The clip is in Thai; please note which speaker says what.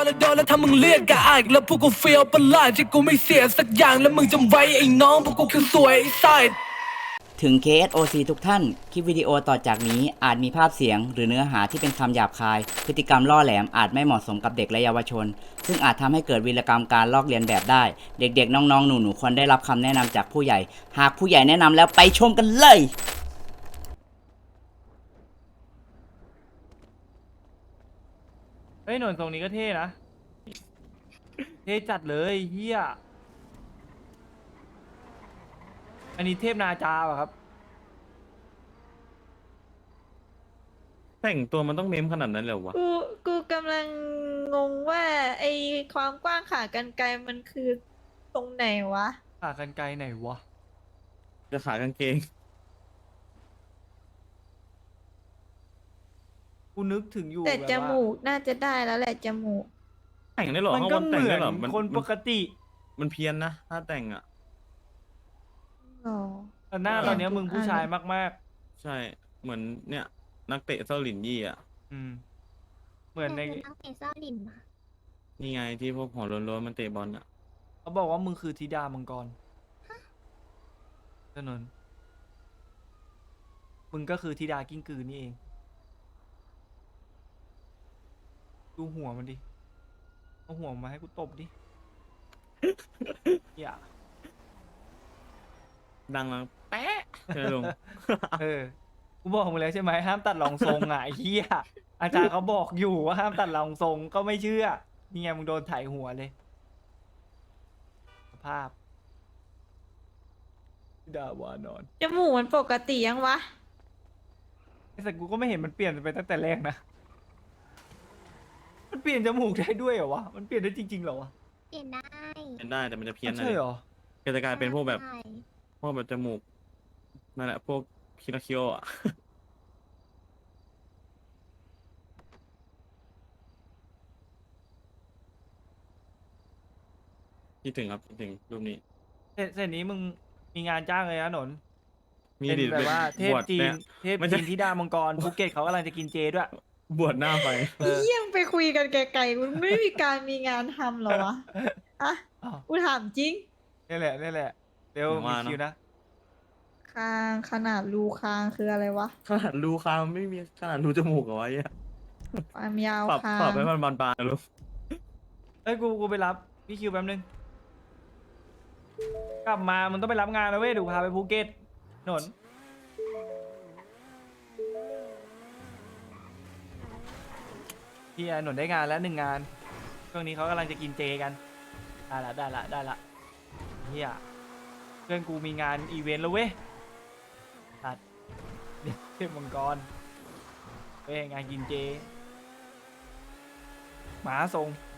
Speaker 1: แล้วโดนแล้วถ้ามึงเรียกกะอายแล้วพวกกูเฟียวประหลาดที่กูไม่เสียสักอย่างแล้วมึงจำไว้ไอ้น้องพวกกูคือสวยไอ้ไซด์
Speaker 2: ถึง KSOC ทุกท่าน คลิปวิดีโอต่อจากนี้อาจมีภาพเสียงหรือเนื้อหาที่เป็นคำหยาบคาย พฤติกรรมล่อแหลมอาจไม่เหมาะสมกับเด็กและเยาวชน ซึ่งอาจทำให้เกิดวีรกรรมการลอกเลียนแบบได้ เด็กๆ น้องๆ หนูๆ ควรได้รับคำแนะนำจากผู้ใหญ่ หากผู้ใหญ่แนะนำแล้วไปชมกันเลย
Speaker 3: เฮ้ยหนวดทรงนี้ก็เท่นะ เท่จัดเลยเฮียอันนี้เทพนาจาป่ะครับ
Speaker 4: แต่งตัวมันต้องเมมขนาดนั้นเลยเหรอวะ
Speaker 5: กูกำลังงงว่าไอความกว้างขากรรไกรมันคือตรงไหนวะ
Speaker 3: ขากรรไกรไหนวะ
Speaker 4: จะขากางเกง
Speaker 3: กูนึกถึงอยู่
Speaker 5: แต่
Speaker 3: แบบ
Speaker 5: จ
Speaker 3: ว่า
Speaker 5: มูกน่าจะได้แล้วแหละจมูก
Speaker 4: แต่งได้เหรอ
Speaker 3: มัน
Speaker 4: ข้าง
Speaker 3: ก็
Speaker 4: บน
Speaker 3: เห
Speaker 4: แต่ง
Speaker 3: มือ
Speaker 4: ได้
Speaker 3: น
Speaker 4: เหรอ
Speaker 3: คนปกติ
Speaker 4: มันเพี้ยนนะ ถ้าแต่งอ่ะ
Speaker 5: อ๋อ
Speaker 3: แต่หน้าตอนเนี้ยมึงผู้ชายมาก
Speaker 4: ใช่ เหมือนเนี่ย นักเตะเซาหลินยี่อ่ะ
Speaker 3: ๆ อืม เหมือนใน
Speaker 6: นักเตะเศร้าลินมา
Speaker 4: นี่ไงที่พวกหัวโล้นๆมันเตะบอลอ่ะ
Speaker 3: เขาบอกว่ามึงคือธิดามังกรถนนมึงก็คือธิดากิ้งกือนี่เอง ดูหัวมันดิ เอาหัวมาให้กูตบดิ อย่า
Speaker 4: ดังแล้วแป๊ะเลยลง
Speaker 3: เออ กูบอกมึงแล้วใช่ไหมห้ามตัดรองทรงอ่ะไอ้เหี้ยอาจารย์เขาบอกอยู่ว่าห้ามตัดรองทรงก็ไม่เชื่อ นี่ไงมึงโดนถ่ายหัวเลย สภาพดาวานอน
Speaker 5: จมูกมันปกติยังวะ
Speaker 3: ไอ้สัตว์กูก็ไม่เห็นมันเปลี่ยนไปตั้งแต่แรกนะ มันเปลี่ยนจมูกได้ด้วยเหรอวะ มันเปลี่ยนได้จริงๆเหรอวะ
Speaker 6: เปลี่ยนได้
Speaker 4: เป็นได้แต่มันจะเพี้ยนนะ
Speaker 3: ใช่เหรอ
Speaker 4: ก็จะกลายเป็นพวกแบบ
Speaker 6: ใช่
Speaker 4: พวกแบบจมูก นั่นแหละ พวกคิราคิโออ่ะ คิดถึงครับคิดถึงรูปนี้
Speaker 3: เส้นนี้มึงมีงานจ้างเลยนะหนน
Speaker 4: มี
Speaker 3: เป็น
Speaker 4: ดิ
Speaker 3: แบบว่าเทพ
Speaker 4: บวช
Speaker 3: จี
Speaker 4: เนี่
Speaker 3: น
Speaker 4: ย
Speaker 3: เทพ
Speaker 4: ไม่ใช่
Speaker 3: จีนธิดามังกรภูเก็ตเขากำลังจะกินเจด้วย
Speaker 4: บวชหน้าไป
Speaker 3: เออ
Speaker 5: เยี่ยมไปคุยกันไกลๆมันไม่มีการมีงานทำเหรอวะ อ่ะ
Speaker 3: อ้าว
Speaker 5: กูถามจริง
Speaker 3: นี่แหละนี่แหละ เร็ว
Speaker 4: ผม
Speaker 3: มี
Speaker 4: ว่าเนอะ
Speaker 3: คิวนะ
Speaker 5: คางขนาดรูคางคืออะไรวะ
Speaker 4: ขนาดรูคางไม่มีขนาดรูจมูกเหรอวะเนี่ย
Speaker 5: ความยาว
Speaker 4: ปรับ
Speaker 5: คาง
Speaker 4: ปรับให้มันบานๆนะลูก
Speaker 3: เอ้ยกูไปรับพี่คิวแป๊บนึง กลับมามึงต้องไปรับงานนะเว้ยเดี๋ยวพาไปภูเก็ตหนนพี่หนนได้งานแล้ว1 งาน ช่วงนี้เขากำลังจะกินเจกัน ได้ละเฮียเพื่อนกูมีงานอีเวนต์แล้วเว้ยตัดเดี๋ยวเทพมังกรเว้ยงานกินเจหมาส่ง